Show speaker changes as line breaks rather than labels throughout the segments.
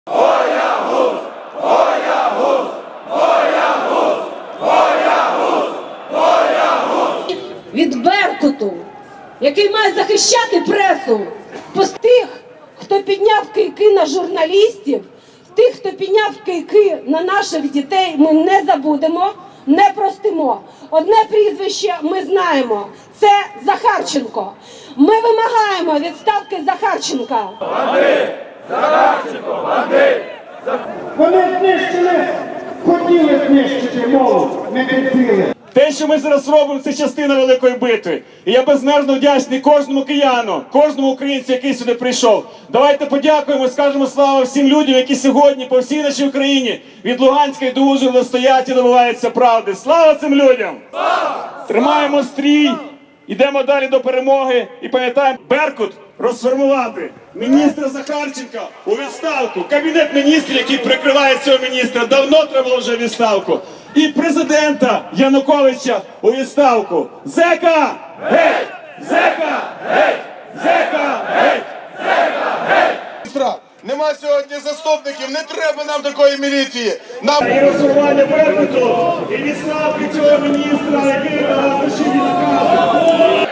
Боягуз! Боягуз! Боягуз! Боягуз! Боягуз!
Від Беркуту, який має захищати пресу, тих, хто підняв кийки на журналістів, тих, хто підняв кийки на наших дітей, ми не забудемо, не простимо. Одне прізвище ми знаємо – це Захарченко. Ми вимагаємо відставки Захарченка.
Бандит! Захарченко! Бандит!
Вони знищили, хотіли знищити мову, не терпіли.
Те, що ми зараз робимо, це частина великої битви. І я безмежно вдячний кожному кияну, кожному українцю, який сюди прийшов. Давайте подякуємо і скажемо слава всім людям, які сьогодні по всій нашій Україні від Луганської до Ужгорода стоять і добиваються правди. Слава цим людям! Слава! Тримаємо стрій, йдемо далі до перемоги і пам'ятаємо, Беркут розформувати міністра Захарченка у відставку. Кабінет міністрів, який прикриває цього міністра, давно треба було вже відставку. І президента Януковича у відставку. Зека! Геть! Зека! Геть! Зека! Геть! Зека! Геть!
Нема сьогодні заступників, не треба нам такої міліції.
І розформування Беркуту, і відставки цього міністра, який нас лишив відставку.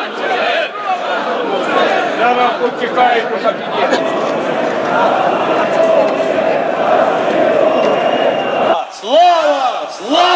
Зараз утікають у кабінет.
Слава! Слава!